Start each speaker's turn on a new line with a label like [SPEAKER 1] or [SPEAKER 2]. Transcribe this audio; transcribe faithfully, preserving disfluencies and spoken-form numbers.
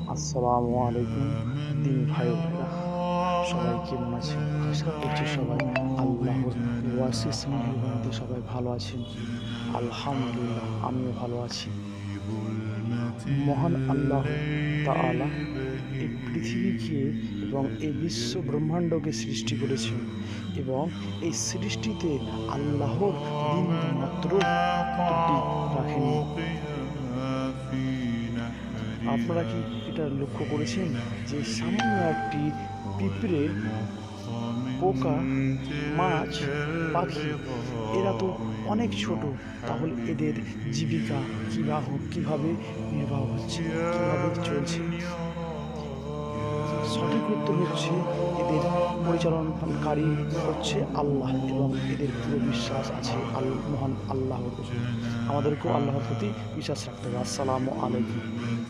[SPEAKER 1] আসসালামু আলাইকুম দিন ভাই বোনেরা, সবাই কেমন আছেন? আশা করছি সবাই আল্লাহর ওয়াসিস মেহেরবানিতে সবাই ভালো আছেন। আলহামদুলিল্লাহ, আমিও ভালো আছি। মহান আল্লাহ তাআলা এই পৃথিবীকে এবং এই বিশ্ব ব্রহ্মাণ্ডকে সৃষ্টি করেছেন এবং এই সৃষ্টিতে আল্লাহর বিন্দু মাত্র ত্রুটি রাখেনি। আপনারা কি এটা লক্ষ্য করেছেন যে সামান্য একটি পিঁপড়ে, পোকা, মাছ, পাখি এরা তো অনেক ছোট, তাহলে এদের জীবিকা কীভাবে কীভাবে নির্বাহ হচ্ছে, কীভাবে চলছে? সঠিক উত্তর হচ্ছে এদের পরিচালনকারী হচ্ছে আল্লাহ এবং এদের পুরো বিশ্বাস আছে আল মহান আল্লাহর উপর। আমাদেরকেও আল্লাহর প্রতি বিশ্বাস রাখতে হবে। আসসালামু আলাইকুম।